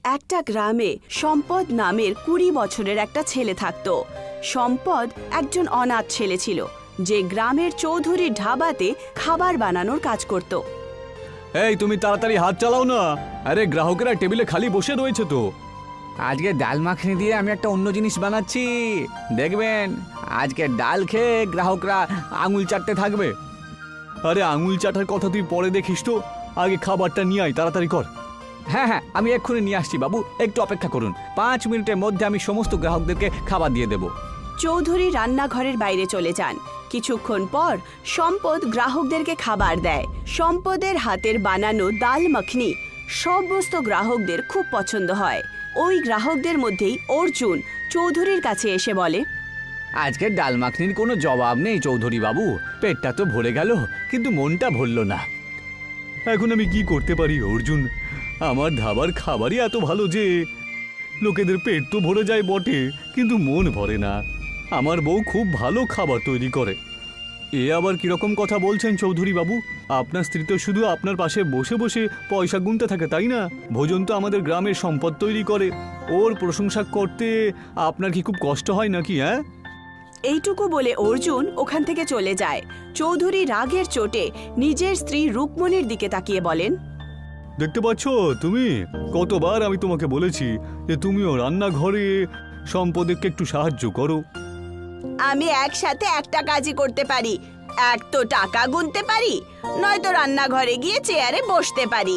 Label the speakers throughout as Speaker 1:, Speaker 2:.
Speaker 1: একটা গ্রামে সম্পদ নামের 20 বছরের একটা ছেলে থাকত। সম্পদ একজন অনাথ ছেলে ছিল, যে গ্রামের চৌধুরীর ধাবাতে খাবার বানানোর কাজ করত।
Speaker 2: এই তুমি তাড়াতাড়ি হাত চালাও না, আরে গ্রাহকেরা টেবিলে খালি বসে রয়েছে তো।
Speaker 3: আজকে ডাল মাখনি দিয়ে আমি একটা অন্য জিনিস বানাচ্ছি, দেখবেন আজকে ডাল খেয়ে গ্রাহকরা আঙুল চাটতে থাকবে।
Speaker 2: আরে আঙুল চাটার কথা তুই পরে দেখিস তো, আগে খাবারটা নিয়ে আয়, তাড়াতাড়ি কর।
Speaker 3: হ্যাঁ হ্যাঁ, আমি এক্ষুনি নিয়ে আসছি বাবু, একটু অপেক্ষা করুন, 5 মিনিটের মধ্যে আমি সমস্ত গ্রাহকদেরকে খাবার দিয়ে দেব।
Speaker 1: চৌধুরী রান্নাঘরের বাইরে চলে যান। কিছুক্ষণ পর সম্পদ গ্রাহকদেরকে খাবার দেয়। সম্পদের হাতের বানানো ডাল মাখনি সমস্ত গ্রাহকদের খুব পছন্দ হয়। ওই গ্রাহকদের মধ্যেই অর্জুন চৌধুরীর কাছে এসে বলে,
Speaker 3: আজকে ডাল মাখনির কোনো জবাব নেই চৌধুরী বাবু, পেটটা তো ভরে গেল কিন্তু মনটা ভরল না।
Speaker 2: এখন আমি কি করতে পারি অর্জুন? আমার ধাবার খাবারই এত ভালো যে লোকেদের পেট তো ভরে যায় বটে, কিন্তু মন ভরে না। আমার বউ খুব ভালো খাবার তৈরি করে। এ আবার কিরকম কথা বলছেন চৌধুরী বাবু? আপনার স্ত্রী তো শুধু আপনার পাশে বসে বসে পয়সা গুনতে থাকে, তাই না? ভোজন তো আমাদের গ্রামের সম্পদ তৈরি করে, ওর প্রশংসা করতে আপনার কি খুব কষ্ট হয় নাকি? হ্যাঁ,
Speaker 1: এইটুকু বলে অর্জুন ওখান থেকে চলে যায়। চৌধুরী রাগের চোটে নিজের স্ত্রী রুকমণির দিকে তাকিয়ে বলেন,
Speaker 2: দেখতে পাচ্ছ তুমি, কতবার আমি তোমাকে বলেছি যে তুমিও রান্নাঘরে সম্পদকে একটু সাহায্য করো।
Speaker 1: আমি একসাথে একটা কাজই করতে পারি, এক তো টাকা গুনতে পারি, নয়তো রান্নাঘরে গিয়ে চেয়ারে বসতে পারি।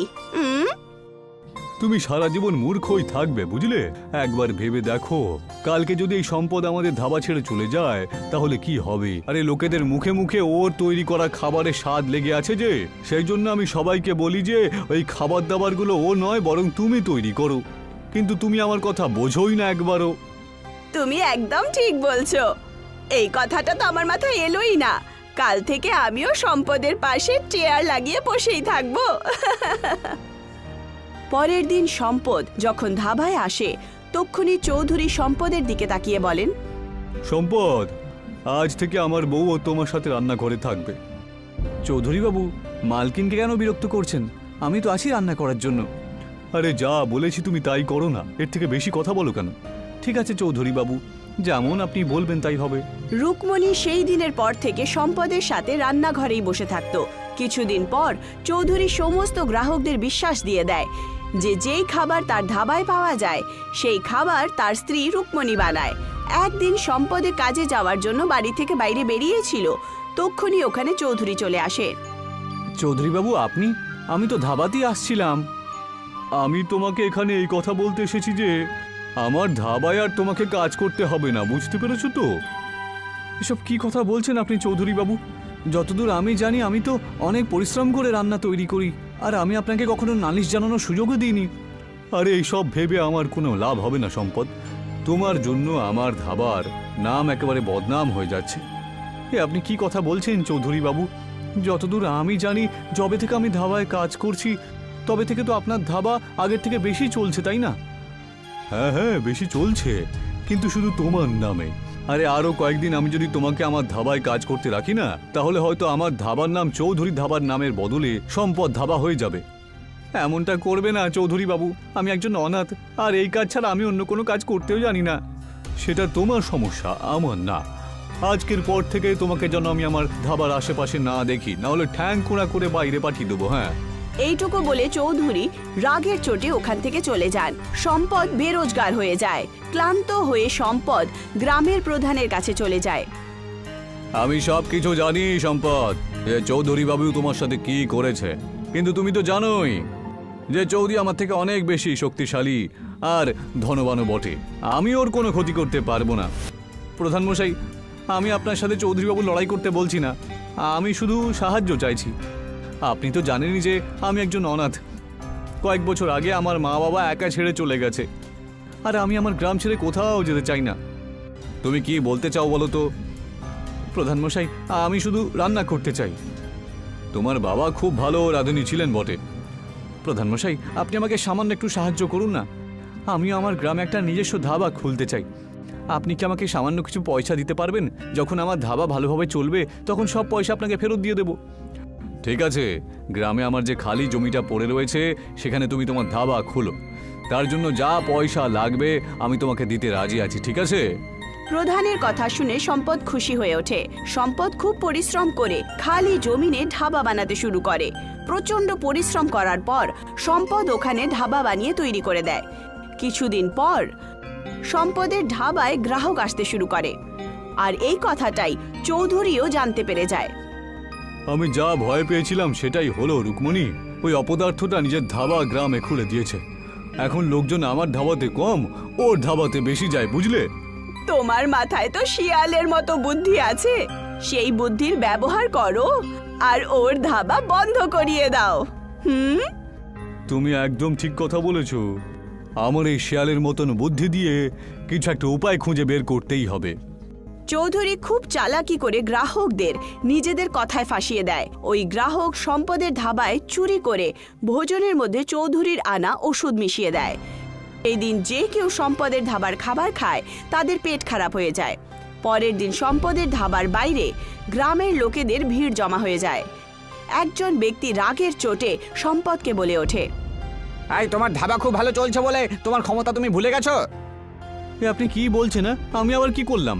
Speaker 2: তুমি সারা জীবন মূর্খই থাকবে, বুঝলে? একবার ভেবে দেখো, কালকে যদি এই সম্পদ আমাদের ধাবা ছেড়ে চলে যায় তাহলে কি হবে? আরে লোকেদের মুখে মুখে ওর তৈরি করা খাবারের স্বাদ লেগে আছে যে, সেই জন্য আমি সবাইকে বলি যে ওই খাবার দাবারগুলো ও নয়, বরং তুমি তৈরি করো। কিন্তু তুমি আমার কথা বোঝোই না একবারও।
Speaker 1: তুমি একদম ঠিক বলছো, এই কথাটা তো আমার মাথায় এলোই না। কাল থেকে আমিও সম্পদের পাশে চেয়ার লাগিয়ে বসেই থাকবো। পরের দিন সম্পদ যখন ধাবায় আসে, তক্ষুনি চৌধুরী সম্পদের দিকে তাকিয়ে বলেন,
Speaker 2: সম্পদ, আজ থেকে আমার বউও তোমার সাথে রান্নাঘরে থাকবে।
Speaker 3: চৌধুরী বাবু, মালকিনকে কেন বিরক্ত করছেন? আমি তো আছি রান্না করার জন্য।
Speaker 2: আরে যা বলেছি তুমি তাই করো না, এর থেকে বেশি কথা বলো কেন?
Speaker 3: ঠিক আছে চৌধুরী বাবু,
Speaker 2: যেমন আপনি বলবেন তাই হবে।
Speaker 1: রুকমণি সেই দিনের পর থেকে সম্পদের সাথে রান্নাঘরেই বসে থাকত। কিছুদিন পর চৌধুরী সমস্ত গ্রাহকদের বিশ্বাস দিয়ে দেয় যে যেই খাবার তার ধাবায় পাওয়া যায় সেই খাবার তার স্ত্রী রুকমণি বানায়। একদিন সম্পদের কাজে যাওয়ার জন্য বাড়ি থেকে বাইরে বেরিয়েছিল, তক্ষুনি ওখানে চৌধুরী চলে আসে।
Speaker 3: চৌধুরী বাবু আপনি? আমি তো ধাবাতেই আসছিলাম।
Speaker 2: আমি তোমাকে এখানে এই কথা বলতে এসেছি যে আমার ধাবায় আর তোমাকে কাজ করতে হবে না, বুঝতে পেরেছো তো?
Speaker 3: এসব কি কথা বলছেন আপনি চৌধুরী বাবু? যতদূর আমি জানি আমি তো অনেক পরিশ্রম করে রান্না তৈরি করি, আর আমি আপনাকে কখনো নালিশ জানানোর সুযোগও দিইনি।
Speaker 2: আরে এইসব ভেবে আমার কোনো লাভ হবে না সম্পদ। তোমার জন্য আমার ধাবার নাম একেবারে বদনাম হয়ে যাচ্ছে।
Speaker 3: আপনি কি কথা বলছেন চৌধুরী বাবু? যতদূর আমি জানি, যবে থেকে আমি ধাবায় কাজ করছি তবে থেকে তো আপনার ধাবা আগের থেকে বেশি চলছে, তাই না?
Speaker 2: হ্যাঁ হ্যাঁ, বেশি চলছে, কিন্তু শুধু তোমার নামে। আরে আরো কয়েকদিন আমি যদি তোমাকে আমার ধাবায় কাজ করতে রাখি না, তাহলে হয়তো আমার ধাবার নাম চৌধুরী ধাবার নামের বদলে সম্পদ ধাবা হয়ে যাবে।
Speaker 3: এমনটা করবে না চৌধুরী বাবু, আমি একজন অনাথ, আর এই কাজ ছাড়া আমি অন্য কোনো কাজ করতেও জানি না।
Speaker 2: সেটা তোমার সমস্যা, আমার না। আজকের পর থেকে তোমাকে যেন আমি আমার ধাবার আশেপাশে না দেখি, না হলে ঠ্যাং কোড়া করে বাইরে পাঠিয়ে দেবো। হ্যাঁ,
Speaker 1: এইটুকু বলে চৌধুরী রাগের চোটে ওখান থেকে চলে যান। সম্পদ বেরোজগার হয়ে যায়। ক্লান্ত হয়ে সম্পদ গ্রামের প্রধানের কাছে চলে যায়।
Speaker 2: আমি সব কিছু জানি সম্পদ, যে চৌধুরী বাবু তোমার সাথে কি করেছে, কিন্তু তুমি তো জানোই যে চৌধুরী আমার থেকে অনেক বেশি শক্তিশালী আর ধনবানও বটে। আমি ওর কোনো ক্ষতি করতে পারবো না।
Speaker 3: প্রধানমশাই, আমি আপনার সাথে চৌধুরীবাবু লড়াই করতে বলছি না, আমি শুধু সাহায্য চাইছি। আপনি তো জানেনই যে আমি একজন অনাথ। কয়েক বছর আগে আমার মা বাবা একা ছেড়ে চলে গেছে, আর আমি আমার গ্রাম ছেড়ে কোথাও যেতে চাই না।
Speaker 2: তুমি কি বলতে চাও বলো তো?
Speaker 3: প্রধানমশাই, আমি শুধু রান্না করতে চাই।
Speaker 2: তোমার বাবা খুব ভালো রাঁধুনি ছিলেন বটে।
Speaker 3: প্রধানমশাই, আপনি আমাকে সামান্য একটু সাহায্য করুন না। আমিও আমার গ্রামে একটা নিজস্ব ধাবা খুলতে চাই। আপনি কি আমাকে সামান্য কিছু পয়সা দিতে পারবেন? যখন আমার ধাবা ভালোভাবে চলবে তখন সব পয়সা আপনাকে ফেরত দিয়ে দেব।
Speaker 2: ঠিক আছে, গ্রামে আমার যে খালি জমিটা পড়ে রয়েছে সেখানে তুমি তোমার ধাবা খুলো।
Speaker 3: তার জন্য যা পয়সা লাগবে আমি তোমাকে দিতে রাজি আছি, ঠিক আছে?
Speaker 1: প্রধানের কথা শুনে সম্পদ খুশি হয়ে ওঠে। সম্পদ খুব পরিশ্রম করে খালি জমিনে ধাবা বানাতে শুরু করে। প্রচন্ড পরিশ্রম করার পর সম্পদ ওখানে ধাবা বানিয়ে তৈরি করে দেয়। কিছুদিন পর সম্পদের ধাবায় গ্রাহক আসতে শুরু করে, আর এই কথাটাই চৌধুরীও জানতে পেরে যায়।
Speaker 3: আমি যা ভয় পেয়েছিলাম সেটাই হলো রুকমণি। ওই অপদার্থটা নিজের ধাবা গ্রামে খুলে দিয়েছে। এখন লোকজন আমার ধাবাতে কম, ওর ধাবাতে বেশি যায়, বুঝলে?
Speaker 1: তোমার মাথায় তো শিয়ালের মতো বুদ্ধি আছে, সেই বুদ্ধির ব্যবহার করো আর ওর ধাবা বন্ধ করিয়ে দাও।
Speaker 3: তুমি একদম ঠিক কথা বলেছো। আমার এই শিয়ালের মতন বুদ্ধি দিয়ে কিছু একটা উপায় খুঁজে বের করতেই হবে।
Speaker 1: চৌধুরী খুব চালাকি করে গ্রাহকদের নিজেদের কথায় ফাঁসিয়ে দেয়। ওই গ্রাহক সম্পদের ধাবায় চুরি করে ভোজনের মধ্যে চৌধুরীর আনা ওষুধ মিশিয়ে দেয়। এই দিন যে কেউ সম্পদের ধাবার খাবার খায় তাদের পেট খারাপ হয়ে যায়। পরের দিন সম্পদের ধাবার বাইরে গ্রামের লোকেদের ভিড় জমা হয়ে যায়। একজন ব্যক্তি রাগের চোটে সম্পদকে বলে ওঠে,
Speaker 4: এই তোমার ধাবা খুব ভালো চলছে বলে তোমার ক্ষমতা তুমি ভুলে গেছো?
Speaker 3: আপনি কি বলছেন? না আমি আবার কি করলাম?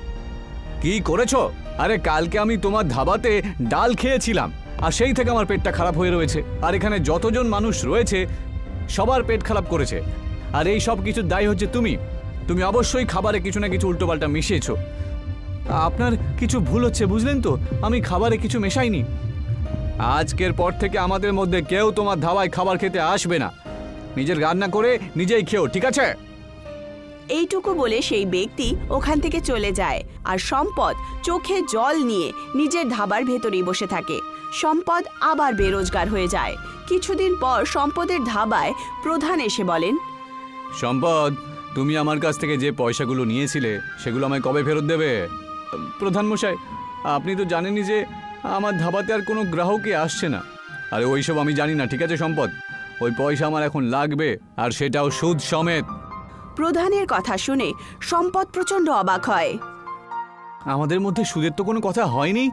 Speaker 3: কি করেছো? আরে কালকে আমি তোমার ধাবাতে ডাল খেয়েছিলাম, আর সেই থেকে আমার পেটটা খারাপ হয়ে রয়েছে। আর এখানে যতজন মানুষ রয়েছে সবার পেট খারাপ করেছে। আর এই সব কিছুর দায়ী হচ্ছে তুমি। তুমি অবশ্যই খাবারে কিছু না কিছু উল্টোপাল্টা মিশিয়েছো। আপনার কিছু ভুল হচ্ছে, বুঝলেন তো? আমি খাবারে কিছু মেশাইনি। আজকের পর থেকে আমাদের মধ্যে কেউ তোমার ধাবায় খাবার খেতে আসবে না। নিজের রান্না করে নিজেই খেও, ঠিক আছে?
Speaker 1: এইটুকু বলে সেই ব্যক্তি ওখান থেকে চলে যায়, আর সম্পদ চোখে জল নিয়ে নিজের ধাবার ভেতরেই বসে থাকে। সম্পদ আবার বেরোজগার হয়ে যায়। কিছুদিন পর সম্পদের ধাবায় প্রধান এসে বলেন,
Speaker 3: সম্পদ, তুমি আমার কাছ থেকে যে পয়সাগুলো নিয়েছিলে সেগুলো আমায় কবে ফেরত দেবে? প্রধান মশাই, আপনি তো জানেনই যে আমার ধাবাতে আর কোনো গ্রাহকই আসছে না। আরে ওইসব আমি জানি না, ঠিক আছে সম্পদ? ওই পয়সা আমার এখন লাগবে, আর সেটাও সুদ সমেত।
Speaker 1: প্রধানের কথা শুনে সম্পদ প্রচন্ড অবাক হয়।
Speaker 3: আমাদের মধ্যে সুদের তো কোনো কথা হয়নি।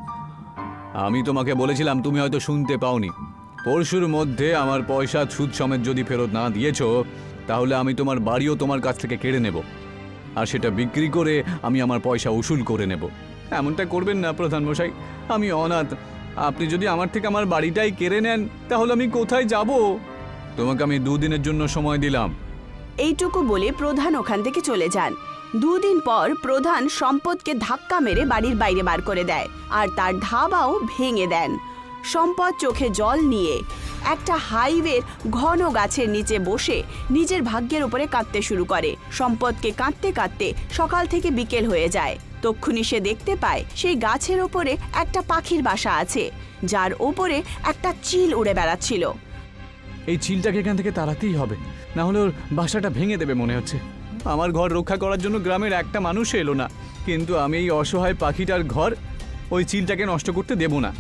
Speaker 3: আমি তোমাকে বলেছিলাম, তুমি হয়তো শুনতে পাওনি। পরশুর মধ্যে আমার পয়সা সুদ সমেত যদি ফেরত না দিয়েছো তাহলে আমি তোমার বাড়িও তোমার কাছ থেকে কেড়ে নেব, আর সেটা বিক্রি করে আমি আমার পয়সা উসুল করে নেব। এমনটা করবেন না প্রধান মশাই, আমি অনাথ। আপনি যদি আমার থেকে আমার বাড়িটাই কেড়ে নেন তাহলে আমি কোথায় যাব? তোমাকে আমি 2 দিনের জন্য সময় দিলাম।
Speaker 1: এইটুকু বলে প্রধান ওখান থেকে চলে যান। 2 দিন পর প্রধান সম্পদকে ধাক্কা মেরে বাড়ির বাইরে বার করে দেয়, আর তার ধাবাও ভেঙে দেন। সম্পদ চোখে জল নিয়ে একটা হাইওয়ের ঘন গাছের নিচে বসে নিজের ভাগ্যের উপরে কাঁদতে শুরু করে। সম্পদকে কাঁদতে কাঁদতে সকাল থেকে বিকেল হয়ে যায়। তক্ষুনি সে দেখতে পায় সেই গাছের ওপরে একটা পাখির বাসা আছে, যার ওপরে একটা চিল উড়ে বেড়াচ্ছিল।
Speaker 3: এই চিলটাকে এখান থেকে তাড়াতেই হবে, না হলে ওর বাসাটা ভেঙে দেবে মনে হচ্ছে। আমার ঘর রক্ষা করার জন্য গ্রামের একটা মানুষ এলো না, কিন্তু আমি এই অসহায় পাখিটার ঘর ওই চিলটাকে নষ্ট করতে দেব না।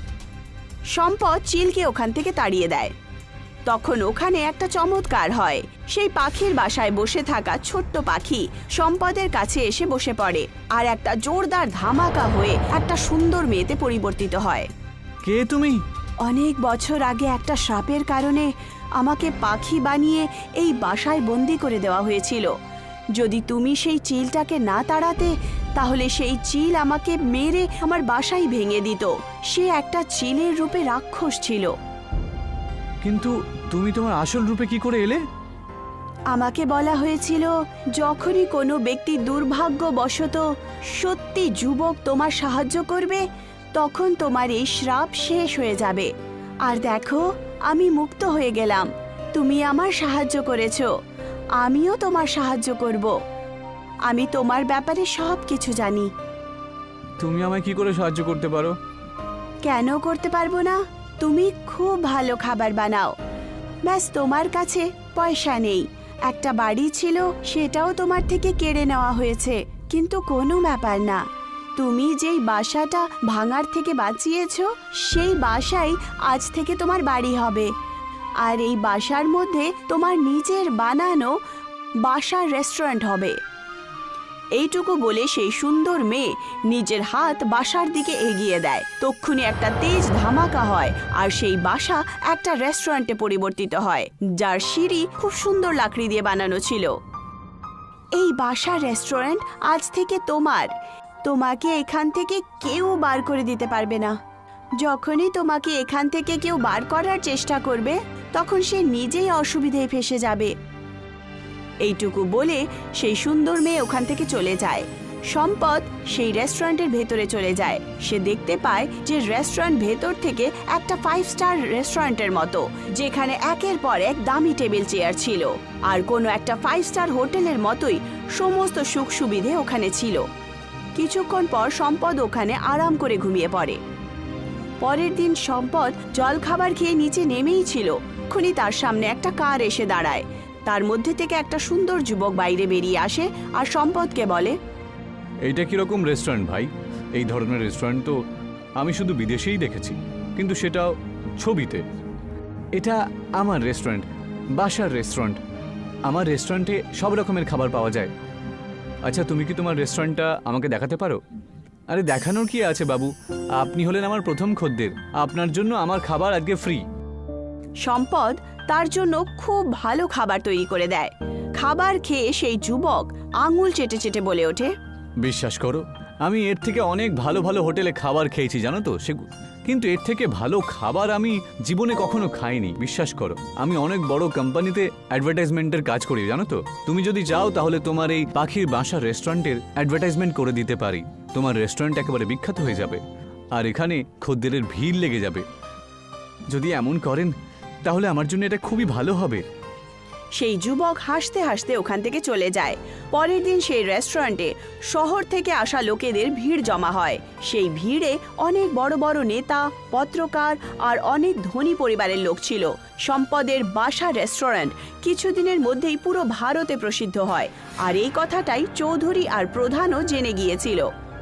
Speaker 1: সম্পদ চিলকে ওখান থেকে তাড়িয়ে দেয়। তখন ওখানে একটা চমৎকার হয়। সেই পাখির বাসায় বসে থাকা ছোট্ট পাখি সম্পদের কাছে এসে বসে পড়ে, আর একটা জোরদার ধামাকা হয়ে একটা সুন্দর মেয়েতে পরিবর্তিত হয়।
Speaker 3: কে তুমি?
Speaker 1: অনেক বছর আগে একটা শ্রাপের কারণে আমাকে পাখি বানিয়ে এই বাসায় বন্দি করে দেওয়া হয়েছিল। যদি তুমি সেই চিলটাকে না তাড়াতে তাহলে সেই চিল আমাকে মেরে আমার বাসাই ভেঙে দিত। সে একটা চিলের রূপে রাক্ষস ছিল।
Speaker 3: কিন্তু তুমি তোমার আসল রূপে কি করে এলে?
Speaker 1: আমাকে বলা হয়েছিল, যখনই কোনো ব্যক্তি দুর্ভাগ্যবশত সত্যি যুবক তোমার সাহায্য করবে তখন তোমার এই শ্রাপ শেষ হয়ে যাবে। আর দেখো, আমি মুক্ত হয়ে গেলাম। তুমি আমার সাহায্য করেছো, আমিও তোমার সাহায্য করব। আমি তোমার ব্যাপারে সব কিছু জানি।
Speaker 3: তুমি আমায় কি করে সাহায্য করতে পারো?
Speaker 1: কেন করতে পারবো না? তুমি খুব ভালো খাবার বানাও। ব্যাস, তোমার কাছে পয়সা নেই। একটা বাড়ি ছিল, সেটাও তোমার থেকে কেড়ে নেওয়া হয়েছে, কিন্তু কোনো ব্যাপার না। তুমি যেই বাসাটা ভাঙার থেকে বাঁচিয়েছো সেই বাসাই আজ থেকে তোমার বাড়ি হবে। আর এই বাসার মধ্যে তোমার নিজের বানানো বাসার রেস্টুরেন্ট হবে। এইটুকু বলে সেই সুন্দর মেয়ে নিজের হাত বাসার দিকে এগিয়ে দেয়। তক্ষুনি একটা তেজ ধামাকা হয় আর সেই বাসা একটা রেস্টুরেন্টে পরিবর্তিত হয়, যার সিঁড়ি খুব সুন্দর লাকড়ি দিয়ে বানানো ছিল। এই বাসার রেস্টুরেন্ট আজ থেকে তোমার। তোমাকে এখান থেকে কেউ বার করে দিতে পারবে না। যখনই তোমাকে এখান থেকে কেউ বার করার চেষ্টা করবে তখন সে নিজেই অসুবিধায় ফেসে যাবে। এইটুকু বলে সেই সুন্দর মেয়ে ওখান থেকে চলে যায়। সম্পদ সেই রেস্টুরেন্টের ভেতরে চলে যায়। সে দেখতে পায় যে রেস্টুরেন্ট ভেতর থেকে একটা 5 স্টার রেস্টুরেন্টের মতো, যেখানে একের পর এক দামি টেবিল চেয়ার ছিল আর কোনো একটা 5 স্টার হোটেলের মতোই সমস্ত সুখ সুবিধে ওখানে ছিল। কিছুক্ষণ পর সম্পদ ওখানে আরাম করে ঘুমিয়ে পড়ে। পরের দিন সম্পদ জলখাবার খেয়ে নিচে নেমেই ছিল, তখনই তার সামনে একটা কার এসে দাঁড়ায়। তার মধ্যে থেকে একটা সুন্দর যুবক বাইরে বেরিয়ে আসে আর সম্পদকে বলে,
Speaker 3: এইটা কিরকম রেস্টুরেন্ট ভাই? এই ধরনের রেস্টুরেন্ট তো আমি শুধু বিদেশেই দেখেছি, কিন্তু সেটাও ছবিতে। এটা আমার রেস্টুরেন্ট, বাসার রেস্টুরেন্ট। আমার রেস্টুরেন্টে সব রকমের খাবার পাওয়া যায়। আচ্ছা, তুমি কি তোমার রেস্টুরেন্টটা আমাকে দেখাতে পারো? আরে দেখানোর কি আছে বাবু, আপনি হলেন আমার প্রথম খদ্দের, আপনার জন্য আমার খাবার আজকে ফ্রি।
Speaker 1: সম্পদ তার জন্য খুব ভালো খাবার তৈরি করে দেয়। খাবার খেয়ে সেই যুবক আঙুল চেটে চেটে বলে ওঠে,
Speaker 3: বিশ্বাস করো, আমি এর থেকে অনেক ভালো ভালো হোটেলে খাবার খেয়েছি জানো তো, কিন্তু এর থেকে ভালো খাবার আমি জীবনে কখনো খাইনি। বিশ্বাস করো, আমি অনেক বড় কোম্পানিতে অ্যাডভার্টাইজমেন্টের কাজ করি জানো তো। তুমি যদি চাও তাহলে তোমার এই পাখির বাসা রেস্টুরেন্টের অ্যাডভার্টাইজমেন্ট করে দিতে পারি। তোমার রেস্টুরেন্ট একেবারে বিখ্যাত হয়ে যাবে আর এখানে খদ্দেরের ভিড় লেগে যাবে। যদি এমন করেন তাহলে আমার জন্য এটা খুবই ভালো হবে।
Speaker 1: সেই যুবক হাসতে হাসতে ওখান থেকে চলে যায়। পরের দিন সেই রেস্টুরেন্টে শহর থেকে আসা লোকেদের ভিড় জমা হয়। সেই ভিড়ে অনেক বড় বড় নেতা, পত্রকার আর অনেক ধনী পরিবারের লোক ছিল। সম্পদের বাসা রেস্টুরেন্ট কিছুদিনের মধ্যেই পুরো ভারতে প্রসিদ্ধ হয় আর এই কথাটাই চৌধুরী আর প্রধানও জেনে গিয়েছিল।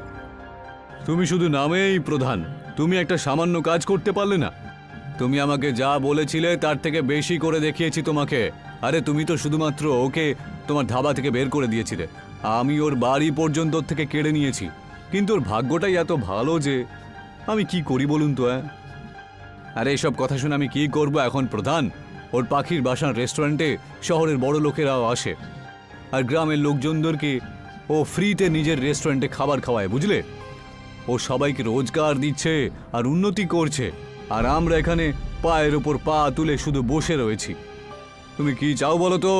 Speaker 3: তুমি শুধু নামেই প্রধান, তুমি একটা সামান্য কাজ করতে পারলে না। তুমি আমাকে যা বলেছিলে তার থেকে বেশি করে দেখিয়েছি তোমাকে। আরে তুমি তো শুধুমাত্র ওকে তোমার ধাবা থেকে বের করে দিয়েছিলে, আমি ওর বাড়ি পর্যন্ত ওর থেকে কেড়ে নিয়েছি। কিন্তু ওর ভাগ্যটাই এত ভালো যে আমি কি করি বলুন তো। আরে এসব কথা শুনে আমি কি করব এখন প্রধান? ওর পাখির বাসার রেস্টুরেন্টে শহরের বড় লোকেরাও আসে আর গ্রামের লোকজনদেরকে ও ফ্রিতে নিজের রেস্টুরেন্টে খাবার খাওয়ায়, বুঝলে? ও সবাইকে রোজগার দিচ্ছে আর উন্নতি করছে, আর আমরা এখানে পায়ের ওপর পা তুলে শুধু বসে রয়েছি। তুমি কি চাও বলো তো?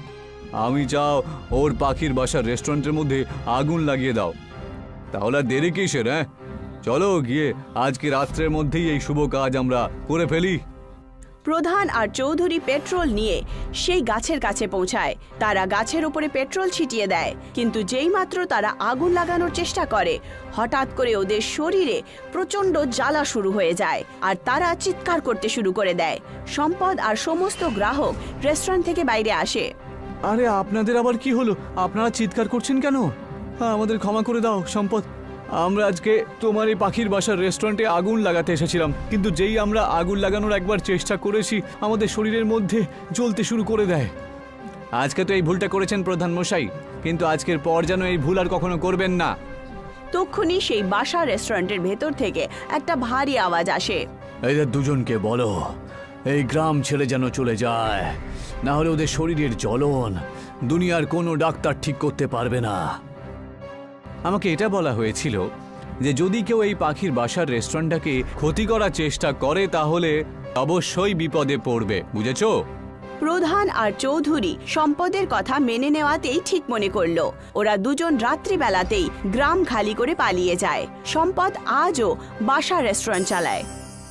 Speaker 3: আমি চাও ওর পাখির বাসার রেস্টুরেন্টের মধ্যে আগুন লাগিয়ে দাও। তাহলে আর দেরি কিসের? চলো গিয়ে আজকে রাত্রের মধ্যেই এই শুভ কাজ আমরা করে ফেলি।
Speaker 1: প্রধান আর চৌধুরী পেট্রোল নিয়ে সেই গাছের কাছে পৌঁছায়। তারা গাছের উপরে পেট্রোল ছিটিয়ে দেয়, কিন্তু যেইমাত্র তারা আগুন লাগানোর চেষ্টা করে হঠাৎ করে ওদের শরীরে প্রচণ্ড জ্বালা শুরু হয়ে যায় আর তারা চিৎকার করতে শুরু করে দেয়। সম্পদ আর সমস্ত গ্রাহক রেস্টুরেন্ট থেকে বাইরে আসে।
Speaker 3: আরে আপনাদের আবার কি হলো? আপনারা চিৎকার করছেন কেন? আমাদের ক্ষমা করে দাও সম্পদ, আমরা আজকে তোমার এই পাখির বাসার রেস্টুরেন্টে আগুন লাগাতে এসেছিলাম, কিন্তু যেই আমরা আগুন লাগানোর একবার চেষ্টা করেছি আমাদের শরীরের মধ্যে জ্বলতে শুরু করে দেয়। আজকে তো এই ভুলটা করেছেন প্রধান মশাই, কিন্তু আজকের পর যেন এই ভুল আর কখনো করবেন না।
Speaker 1: তক্ষুনি সেই বাসা রেস্টুরেন্টের ভেতর থেকে একটা ভারী আওয়াজ আসে।
Speaker 2: এদের দুজনকে বলো এই গ্রাম ছেড়ে যেন চলে যায়, না হলে ওদের শরীরের জ্বলন দুনিয়ার কোনো ডাক্তার ঠিক করতে পারবে না।
Speaker 3: আমাকে এটা বলা হয়েছিল যে যদি কেউ এই পাখির বাসার রেস্টুরেন্টটাকে ক্ষতি করার চেষ্টা করে তাহলে অবশ্যই বিপদে পড়বে, বুঝেছো?
Speaker 1: প্রধান আর চৌধুরী সম্পদের কথা মেনে নেওয়াতেই ঠিক মনে করলো। ওরা দুজন রাত্রিবেলাতেই গ্রাম খালি করে পালিয়ে যায়। সম্পদ আজও বাসা রেস্টুরেন্ট চালায়।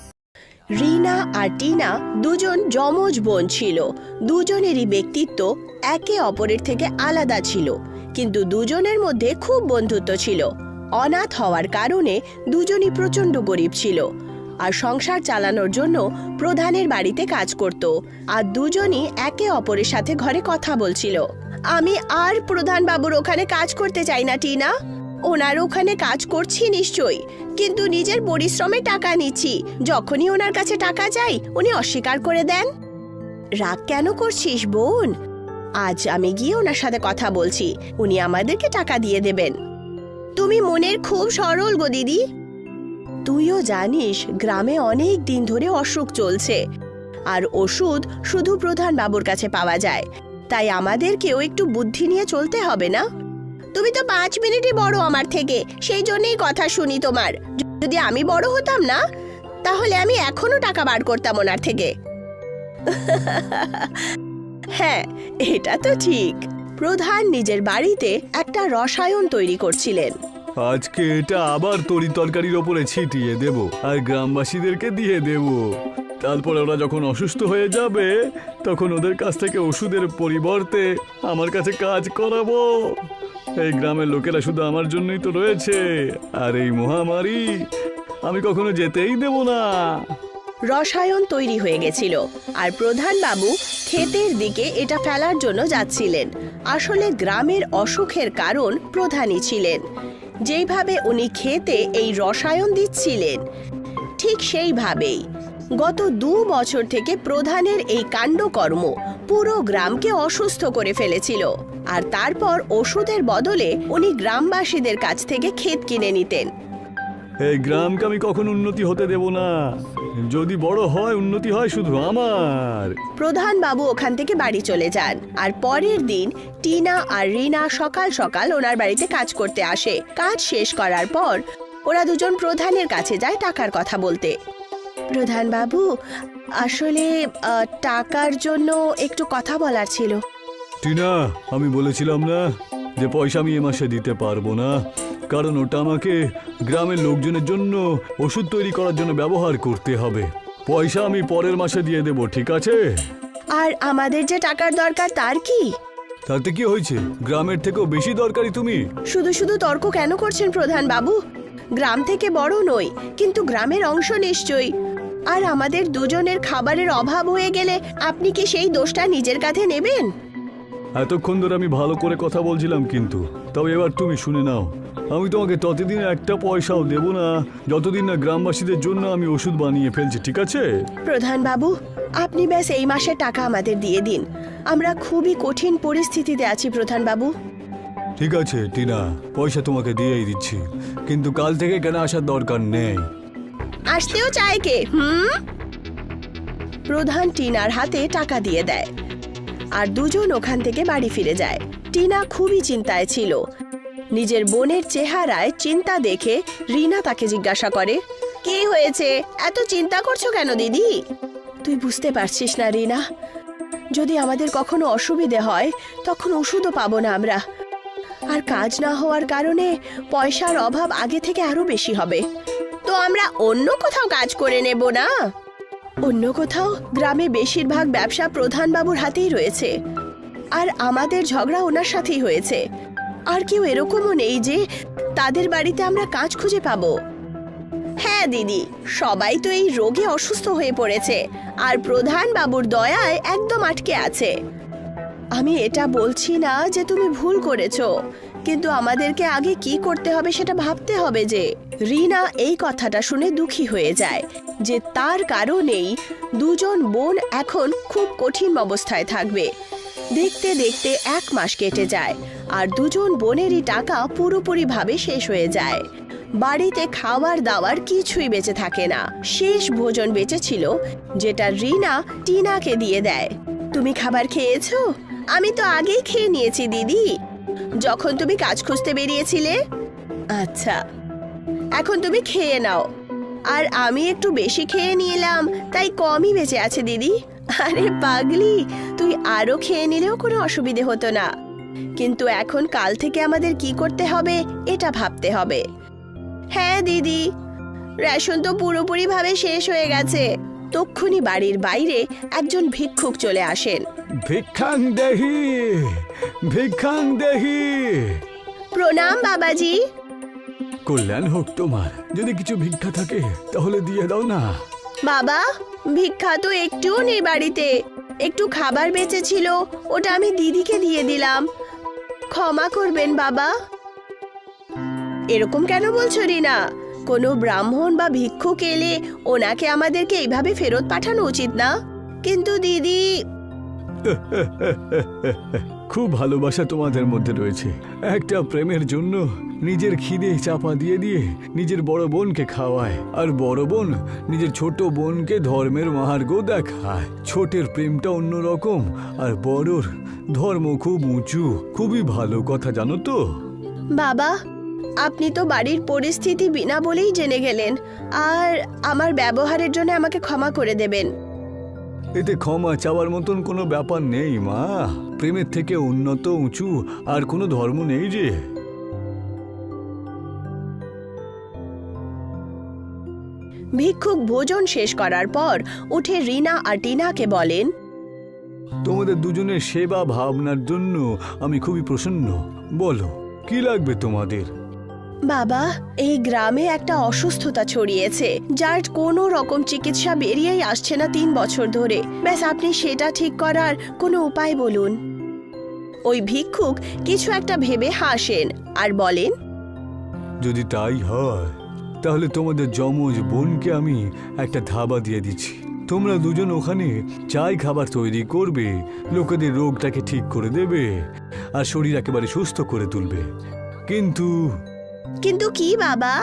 Speaker 1: রিনা আর টিনা দুজন যমজ বোন ছিল। দুজনেরই ব্যক্তিত্ব একে অপরের থেকে আলাদা ছিল, কিন্তু দুজনের মধ্যে খুব বন্ধুত্ব ছিল। অনাথ হওয়ার কারণে দুজনই প্রচণ্ড গরিব ছিল আর সংসার চালানোর জন্য প্রধানের বাড়িতে কাজ করত। আর দুজনই একে অপরের সাথে ঘরে কথা বলছিল। আমি আর প্রধান বাবুর ওখানে কাজ করতে চাই না টিনা। ওনার ওখানে কাজ করছি নিশ্চয়ই, কিন্তু নিজের পরিশ্রমে টাকা নিচ্ছি। যখনই ওনার কাছে টাকা চাই উনি অস্বীকার করে দেন। রাগ কেন করছিস বোন? আজ আমি গিয়ে ওনার সাথে কথা বলছি, উনি আমাদেরকে টাকা দিয়ে দেবেন। তুমি মনের খুব সরল গো দিদি। তুইও জানিস গ্রামে অনেক দিন ধরে অসুখ চলছে, আর ওষুধ শুধু প্রধান বাবুর কাছে পাওয়া যায়, তাই আমাদেরকেও একটু বুদ্ধি নিয়ে চলতে হবে না? তুমি তো 5 মিনিটই বড় আমার থেকে, সেই জন্যই কথা শুনি তোমার। যদি আমি বড় হতাম না, তাহলে আমি এখনো টাকা বার করতাম ওনার থেকে। হ্যাঁ, এটা তো ঠিক। প্রধান নিজের বাড়িতে একটা রসায়ন তৈরি করছিলেন।
Speaker 2: আজকে এটা আবার তরি তরকারির ওপরে ছিটিয়ে দেব আর গ্রামবাসীদেরকে দিয়ে দেব। তারপরে ওরা যখন অসুস্থ হয়ে যাবে তখন ওদের কাছ থেকে ওষুধের পরিবর্তে আমার কাছে কাজ করাবো। এই গ্রামের লোকেরা শুধু আমার জন্যই তো রয়েছে, আর এই মহামারী আমি কখনো যেতেই দেব না।
Speaker 1: রসায়ন তৈরি হয়ে গেছিল, আর প্রধান বাবু ক্ষেতের দিকে এটা ফেলার জন্য যাচ্ছিলেন। আসলে গ্রামের অসুখের কারণ প্রধানই ছিলেন। যেইভাবে উনি ক্ষেতে এই রসায়ন দিচ্ছিলেন, ঠিক সেইভাবেই গত 2 বছর থেকে প্রধানের এই কাণ্ডকর্ম পুরো গ্রামকে অসুস্থ করে ফেলেছিল। আর তারপর ওষুধের বদলে উনি গ্রামবাসীদের কাছ থেকে ক্ষেত কিনে নিতেন।
Speaker 2: এই গ্রামকে আমি কখনো উন্নতি হতে দেব না। যদি বড় হয়, উন্নতি হয় শুধু আমার।
Speaker 1: প্রধান বাবু ওখান থেকে বাড়ি চলে যান, আর পরের দিন টিনা আর রিনা সকাল সকাল ওনার বাড়িতে কাজ করতে আসে। কাজ শেষ করার পর ওরা দুজন প্রধানের কাছে যায় টাকার কথা বলতে। প্রধান বাবু, আসলে টাকার জন্য একটু কথা বলার ছিল।
Speaker 2: টিনা, আমি বলেছিলাম না যে পয়সা আমি এ মাসে দিতে পারবো না, কারণ ওটা আমাকে গ্রামের লোকজনের জন্য ওষুধ তৈরি করার জন্য ব্যবহার করতে হবে। পয়সা আমি পরের মাসে দিয়ে দেব, ঠিক আছে?
Speaker 1: আর আমাদের যে টাকার দরকার তার কি?
Speaker 2: তাতে কি হয়েছে? গ্রামের থেকেও বেশি দরকারি তুমি।
Speaker 1: শুধু শুধু তর্ক কেন করছেন প্রধান বাবু? গ্রাম থেকে বড় নই, কিন্তু গ্রামের অংশ নিশ্চয়ই। আর আমাদের দুজনের খাবারের অভাব হয়ে গেলে আপনি কি সেই দোষটা নিজের কাঁধে নেবেন?
Speaker 2: এতক্ষণ ধরে আমি ভালো করে কথা বলছিলাম, কিন্তু তবে এবার তুমি শুনে নাও, আমি তোমাকে ততদিন একটা পয়সাও দেব না যতদিন না গ্রামবাসীদের জন্য আমি ওষুধ বানিয়ে ফেলছি, ঠিক আছে?
Speaker 1: প্রধান বাবু, আপনি ব্যাস এই মাসের টাকা আমাদের দিয়ে দিন। আমরা খুবই কঠিন পরিস্থিতিতে আছি প্রধান বাবু।
Speaker 2: ঠিক আছে টিনা, পয়সা তোমাকে দিয়েই দিচ্ছি, কিন্তু কাল থেকে কেন আসার দরকার নেই।
Speaker 1: আসতেও চায় কে? প্রধান টিনার হাতে টাকা দিয়ে দেয়, আর দুজন ওখান থেকে বাড়ি ফিরে যায়। টিনা খুবই চিন্তায় ছিল। নিজের বোনের চেহারায় চিন্তা দেখে রিনা তাকে জিজ্ঞাসা করে, কি হয়েছে? এত চিন্তা করছো কেন দিদি? তুই বুঝতে পারছিস না রিনা, যদি আমাদের কখনো অসুবিধে হয় তখন ওষুধও পাবো না আমরা, আর কাজ না হওয়ার কারণে পয়সার অভাব আগে থেকে আরো বেশি হবে। তো আমরা অন্য কোথাও কাজ করে নেব না? অন্য কোথাও? গ্রামে বেশিরভাগ ব্যবসা প্রধান বাবুর হাতেই রয়েছে, আর আমাদের ঝগড়া ওনার সাথেই হয়েছে। আর কেউ এরকমও নেই যে তাদের বাড়িতে আমরা কাজ খুঁজে পাবো। হ্যাঁ দিদি, সবাই তো এই রোগে অসুস্থ হয়ে পড়েছে, আর প্রধান বাবুর দয়ায় একদম আটকে আছে। আমি এটা বলছি না যে তুমি ভুল করেছো, কিন্তু আমাদেরকে আগে কি করতে হবে সেটা ভাবতে হবে। যে রিনা এই কথাটা শুনে দুঃখী হয়ে যায় যে তার কারণেই দুজন বোন এখন খুব কঠিন অবস্থায় থাকবে। দেখতে দেখতে 1 মাস কেটে যায়, আর দুজন বোনেরই টাকা পুরোপুরিভাবে শেষ হয়ে যায়। বাড়িতে খাবার দাবার কিছুই বেঁচে থাকে না। শেষ ভোজন বেঁচেছিল, যেটা রিনা টিনাকে দিয়ে দেয়। তুমি খাবার খেয়েছো? আমি তো আগেই খেয়ে নিয়েছি দিদি, যখন তুমি কাজ খুঁজতে বেরিয়েছিলে। আচ্ছা, এখন তুমি খেয়ে নাও। আর আমি একটু বেশি খেয়ে নিলাম, তাই কমই বেঁচে আছে দিদি। আরে পাগলি, তুই আরো খেয়ে নিলেও কোনো অসুবিধে হতো না, কিন্তু এখন কাল থেকে আমাদের কি করতে হবে এটা ভাবতে হবে। হ্যাঁ দিদি, রেশন তো পুরোপুরি ভাবে শেষ হয়ে গেছে। তক্ষুনি বাড়ির বাইরে একজন ভিক্ষুক চলে আসেন।
Speaker 2: ভিক্ষাং দেহি, ভিক্ষাং দেহি।
Speaker 1: প্রণাম বাবাজি।
Speaker 2: কল্যাণ হোক তোমার। যদি কিছু ভিক্ষা থাকে তাহলে দিয়ে দাও না।
Speaker 1: বাবা, ভিক্ষা তো একটুও নেই বাড়িতে। একটু খাবার বেঁচেছিল, ওটা আমি দিদিকে দিয়ে দিলাম। ক্ষমা করবেন বাবা। এরকম কেন বলছো রিনা? কোনো ব্রাহ্মণ বা ভিক্ষুক এলে ওনাকে আমাদেরকে এইভাবে ফেরত পাঠানো উচিত না। কিন্তু দিদি,
Speaker 2: খুব ভালোবাসা তোমাদের মধ্যে রয়েছে। একটা প্রেমের জন্য নিজের খিদে চাপা দিয়ে দিয়ে নিজের বড় বোনকে খাওয়ায়, আর বড় বোন নিজের ছোট বোনকে ধর্মের মাহার্ঘ দেখায়। ছোটের প্রেমটা অন্যরকম, আর বড়র ধর্ম খুব উঁচু। খুবই ভালো কথা, জানো তো?
Speaker 1: বাবা, আপনি তো বাড়ির পরিস্থিতি বিনা বলেই জেনে গেলেন, আর আমার ব্যবহারের জন্য আমাকে ক্ষমা করে দেবেন।
Speaker 2: এতে ক্ষমা চাওয়ার মতন কোনো ব্যাপার নেই মা। প্রেমের থেকে উন্নত উঁচু আর কোনো ধর্ম নেই যে।
Speaker 1: ভিক্ষুক ভোজন শেষ করার পর উঠে রিনা আর টিনাকে বলেন,
Speaker 2: তোমাদের দুজনের সেবা ভাবনার জন্য আমি খুবই প্রসন্ন। বলো, কি লাগবে তোমাদের?
Speaker 1: বাবা, এই গ্রামে একটা অসুস্থতা ছড়িয়েছে, যার কোনো রকম চিকিৎসা বেরিয়েই আসছে না 3 বছর ধরে। ব্যাস, আপনি সেটা ঠিক করার কোনো উপায় বলুন। ওই ভিক্ষুক কিছু একটা ভেবে হাসেন আর বলেন,
Speaker 2: যদি তাই হয় তাহলে তোমাদের যমজ বোনকে আমি একটা ধাবা দিয়ে দিচ্ছি। তোমরা দুজন ওখানে চাই খাবার তৈরি করবে, লোকেদের রোগটাকে ঠিক করে দেবে আর শরীর একেবারে সুস্থ করে তুলবে। কিন্তু
Speaker 1: কিন্তু কি বাবা?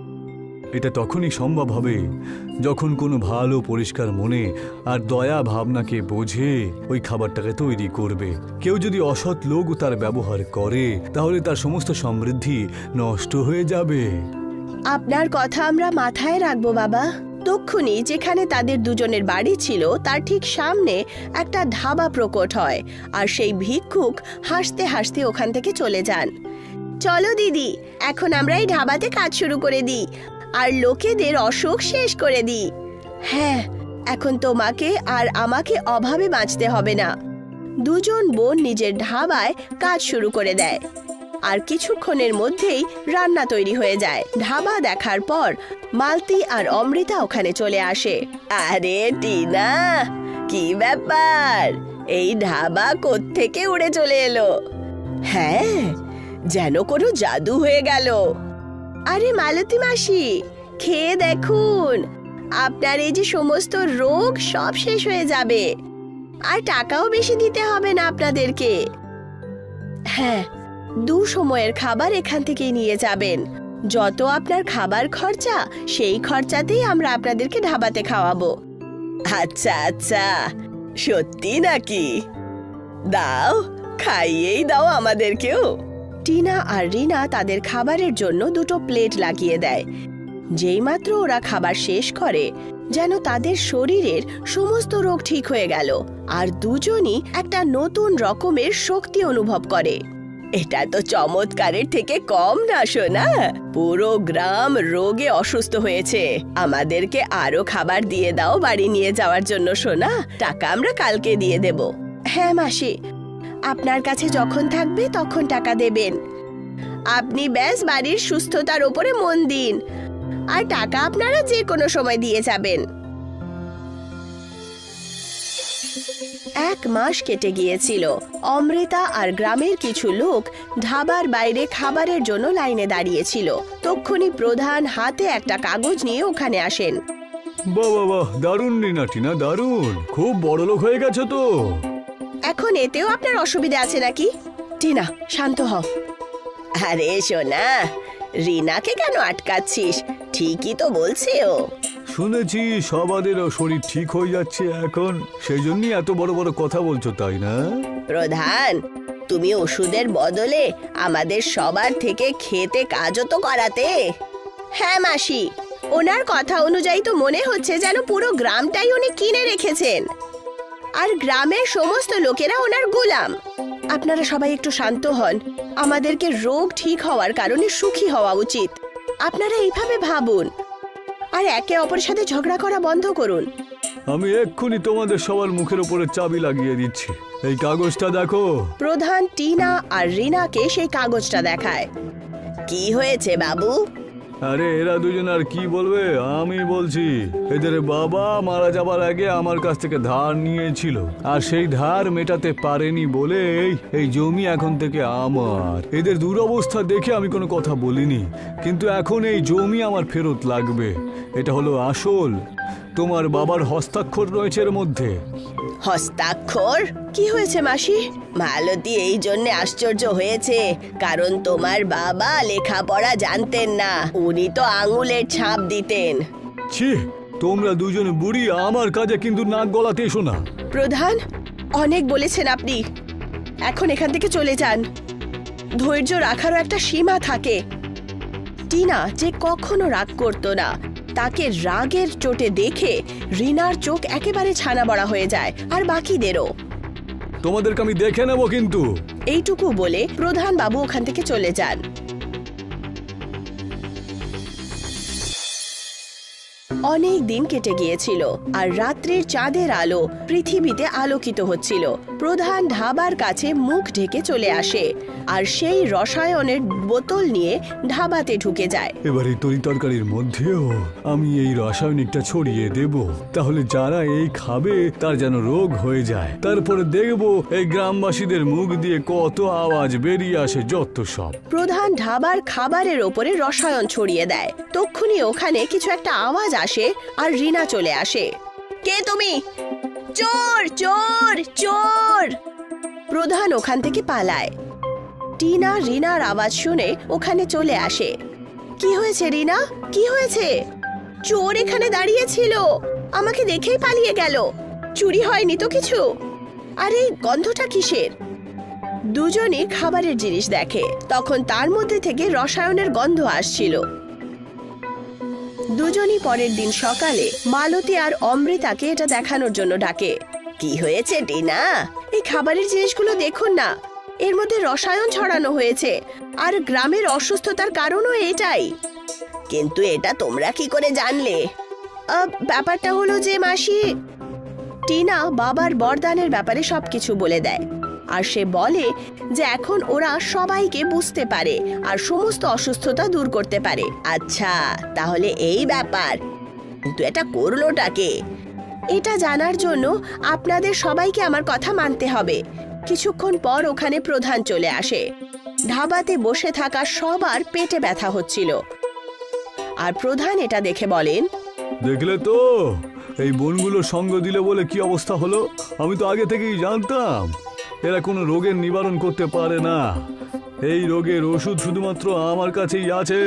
Speaker 2: এটা তখনই সম্ভব হবে যখন কোনো ভালো পরিষ্কার মনে আর দয়া ভাবনাকে বোঝে ওই খাবারটাকে তৈরি করবে। কেউ যদি অসৎ লোক তার ব্যবহার করে তাহলে তার সমস্ত সমৃদ্ধি নষ্ট হয়ে যাবে।
Speaker 1: আপনার কথা আমরা মাথায় রাখবো বাবা। তক্ষুনি যেখানে তাদের দুজনের বাড়ি ছিল তার ঠিক সামনে একটা ধাবা প্রকট হয়, আর সেই ভিক্ষুক হাসতে হাসতে ওখান থেকে চলে যান। চলো দিদি, এখন আমরা এই ধাবাতে কাজ শুরু করে দিই আর লোকেদের অসুখ শেষ করে দিই। হ্যাঁ, এখন তোমাকে আর আমাকে অভাবে বাঁচতে হবে না। দুজন বোন নিজের ধাবায় কাজ শুরু করে দেয়, আর কিছুক্ষণের মধ্যেই রান্না তৈরি হয়ে যায়। ধাবা দেখার পর মালতী আর অমৃতা ওখানে চলে আসে। আরে টিনা, কি ব্যাপার? এই ধাবা কোত্থেকে উড়ে চলে এলো? হ্যাঁ, যেন কোনো জাদু হয়ে গেল। আরে মালতী মাসি, খেয়ে দেখুন, আপনার এই যে সমস্ত রোগ সব শেষ হয়ে যাবে, আর টাকাও বেশি দিতে হবে না আপনাদেরকে। হ্যাঁ, 2 সময়ের খাবার এখান থেকেই নিয়ে যাবেন। যত আপনার খাবার খরচা, সেই খরচাতেই আমরা আপনাদেরকে ধাবাতে খাওয়াবো। আচ্ছা আচ্ছা, সত্যি নাকি? দাও, খাইয়েই দাও আমাদেরকেও। টিনা আর রিনা তাদের খাবারের জন্য 2টো প্লেট লাগিয়ে দেয়। যেইমাত্র ওরা খাবার শেষ করে, যেন তাদের শরীরের সমস্ত রোগ ঠিক হয়ে গেল, আর দুজনই একটা নতুন রকমের শক্তি অনুভব করে। এটা তো চমৎকারের থেকে কম না সোনা। পুরো গ্রাম রোগে অসুস্থ হয়েছে। আমাদেরকে আরো খাবার দিয়ে দাও বাড়ি নিয়ে যাওয়ার জন্য সোনা। টাকা আমরা কালকে দিয়ে দেব। হ্যাঁ মাসি, আপনার কাছে যখন থাকবে তখন টাকা দেবেন। আপনি ব্যাস বাড়ির সুস্থতার উপরে মন দিন, আর টাকা আপনারা যে কোনো সময় দিয়ে যাবেন। 1 মাস কেটে গিয়েছিল। অমৃতা আর গ্রামের কিছু লোক ধাবার বাইরে খাবারের জন্য লাইনে দাঁড়িয়েছিল। তক্ষুনি প্রধান হাতে একটা কাগজ নিয়ে ওখানে আসেন।
Speaker 2: বাহ বাহ বাহ, দারুণ রিনা, টিনা দারুণ, খুব বড় লোক হয়ে গেছো তো।
Speaker 1: এখন এতেও আপনার অসুবিধা আছে নাকি? টিনা, শান্ত হও। আরে সোনা, রিনাকে কেন আটকাচ্ছিস? ঠিকই তো বলছে ও।
Speaker 2: শুনেছি সবাদেরও শরীর ঠিক হয়ে যাচ্ছে এখন, সেই জন্যই এত বড় বড় কথা বলছো, তাই না?
Speaker 1: প্রধান, তুমি ওষুধের বদলে আমাদের সবার থেকে খেতে কাজও তো করাতে। হ্যাঁ মাসি, ওনার কথা অনুযায়ী তো মনে হচ্ছে যেন পুরো গ্রামটাই উনি কিনে রেখেছেন, আর গ্রামের সমস্ত লোকেরা ওনার গোলাম। আপনারা সবাই একটু শান্ত হন। আমাদেরকে রোগ ঠিক হওয়ার কারণে সুখী হওয়া উচিত। আপনারা এইভাবে ভাবুন, আর একে অপরের সাথে ঝগড়া করা বন্ধ করুন।
Speaker 2: আমি এক্ষুনি তোমাদের সবার মুখের উপরে চাবি লাগিয়ে দিচ্ছি। এই কাগজটা দেখো।
Speaker 1: প্রধান টিনা আর রিনাকে সেই কাগজটা দেখায়। কি হয়েছে বাবু?
Speaker 2: আরে এরা দুজন আর কি বলবে, আমি বলছি। এদের বাবা মারা যাবার আগে আমার কাছ থেকে ধার নিয়েছিল, আর সেই ধার মেটাতে পারেনি বলে এই জমি এখন থেকে আমার। এদের দুরবস্থা দেখে আমি কোনো কথা বলিনি, কিন্তু এখন এই জমি আমার ফেরত লাগবে। এটা হলো আসল।
Speaker 3: তোমার বাবার হস্তাক্ষর রয়েছে এর মধ্যে।
Speaker 1: হস্তাক্ষর? কি হয়েছে মাসি? মালতী এই জন্য আশ্চর্য হয়েছে কারণ তোমার বাবা লেখাপড়া জানতেন না, উনি তো আঙুলের ছাপ দিতেন।
Speaker 3: ছি, তোমরা দুজন বুড়ি আমার কাজে কিন্তু নাক গলাতে এসো না।
Speaker 1: প্রধান, অনেক বলেছেন আপনি, এখন এখান থেকে চলে যান। ধৈর্য রাখারও একটা সীমা থাকে। টিনা যে কখনো রাগ করতো না, তাকে রাগের চোটে দেখে রিনার চোখ একেবারে ছানা বড়া হয়ে যায়, আর বাকিদেরও।
Speaker 3: তোমাদেরকে আমি দেখে নেব কিন্তু।
Speaker 1: এইটুকু বলে প্রধান বাবু ওখান থেকে চলে যান। অনেক দিন কেটে গিয়েছিল আর রাত্রির চাঁদের আলো পৃথিবীতে আলোকিত হচ্ছিল। প্রধান ধাবার কাছে মুখ ঢেকে চলে আসে আর সেই রসায়নের বোতল নিয়ে ধাবাতে ঢুকে যায়।
Speaker 3: এবার এই তরি তরকারির মধ্যেও আমি এই রাসায়নিকটা ছড়িয়ে দেব, তাহলে যারা এই খাবে তার যেন রোগ হয়ে যায়। তারপরে দেখব এই গ্রামবাসীদের মুখ দিয়ে কত আওয়াজ বেরিয়ে আসে, যত সব।
Speaker 1: প্রধান ধাবার খাবারের ওপরে রসায়ন ছড়িয়ে দেয়। তক্ষুনি ওখানে কিছু একটা আওয়াজ আসে আর রিনা চলে আসে। কে তুমি? চোর, চোর, চোর! প্রধান ওখান থেকে পালায়। টিনা রিনার আওয়াজ শুনে ওখানে চলে আসে। কি হয়েছে রিনা? কি হয়েছে? চোর এখানে দাঁড়িয়ে ছিল, আমাকে দেখেই পালিয়ে গেল। চুরি হয়নি তো কিছু? আরে গন্ধটা কিসের? দুজনই খাবারের জিনিস দেখে, তখন তার মধ্যে থেকে রসায়নের গন্ধ আসছিল। দুজনই পরের দিন সকালে মালতী আর অমৃতাকে এটা দেখানোর জন্য ডাকে। কি হয়েছে টিনা? এই খাবারের জিনিসগুলো দেখুন না, এর মধ্যে রসায়ন ছড়ানো হয়েছে, আর গ্রামের অসুস্থতার কারণও এটাই। কিন্তু এটা তোমরা কি করে জানলে? ব্যাপারটা হলো যে মাসি, টিনা বাবার বরদানের ব্যাপারে সবকিছু বলে দেয়, আর সে বলে যে এখন ওরা সবাইকে বুঝতে পারে আর সমস্ত অসুস্থতা দূর করতে পারে। আচ্ছা, তাহলে এই ব্যাপার, কিন্তু এটা করলোটাকে? এটা জানার জন্য আপনাদের সবাইকে আমার কথা মানতে হবে। কিছুক্ষণ পর ওখানে প্রধান চলে আসে। ধাবাতে বসে থাকা সবার পেটে ব্যথা হচ্ছিল, আর প্রধান এটা দেখে বলেন,
Speaker 3: দেখলে তো এই বনগুলো সঙ্গ দিলে বলে কি অবস্থা হলো। আমি তো আগে থেকেই জানতাম এরা কোনো রোগের নিবারণ করতে পারে না। এই রোগের ওষুধ শুধুমাত্র আমার কাছেই আছে।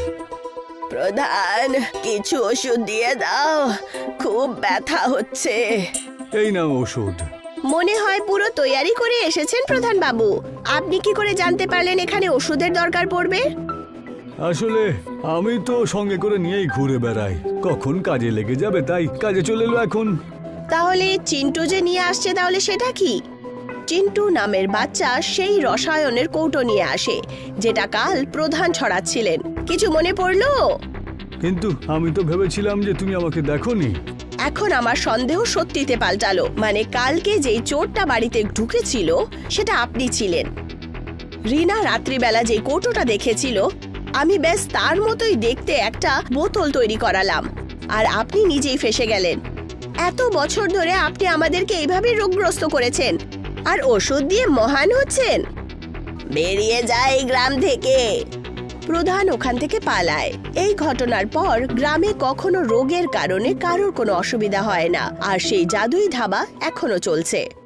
Speaker 1: প্রধান, কিছু ওষুধ দিয়ে দাও, খুব ব্যথা হচ্ছে।
Speaker 3: এই নাও ওষুধ।
Speaker 1: মনে হয় পুরো তৈয়ারি করে এসেছেন প্রধান বাবু। আপনি কি করে জানতে পারলেন এখানে ওষুধের দরকার পড়বে?
Speaker 3: আসলে আমি তো সঙ্গে করে নিয়েই ঘুরে বেড়াই, কখন কাজে লেগে যাবে তাই কাজে চলে এলো এখন।
Speaker 1: তাহলে চিন্টু যে নিয়ে আসছে, তাহলে সেটা কি? চিন্টু নামের বাচ্চা সেই রসায়নের কৌটো নিয়ে আসে, যেটা কাল প্রধান ছড়াচ্ছিলেন। কিছু মনে পড়লো?
Speaker 3: কিন্তু আমি তো ভেবেছিলাম যে তুমি আমাকে দেখোনি।
Speaker 1: এখন আমার সন্দেহ সত্যিতে পাল্টালো। মানে কালকে যেই চোরটা বাড়িতে ঢুকেছিল সেটা আপনি ছিলেন। রিনা রাত্রিবেলা যে কৌটোটা দেখেছিল, আমি বেশ তার মতোই দেখতে একটা বোতল তৈরি করালাম, আর আপনি নিজেই ফেঁসে গেলেন। এত বছর ধরে আপনি আমাদেরকে এইভাবে রোগগ্রস্ত করেছেন, আর ওষুধ দিয়ে মহান হচ্ছেন। বেরিয়ে যায় এই গ্রাম থেকে। প্রধান ওখান থেকে পালায়। এই ঘটনার পর গ্রামে কখনো রোগের কারণে কারোর কোনো অসুবিধা হয় না, আর সেই জাদুই ধাবা এখনো চলছে।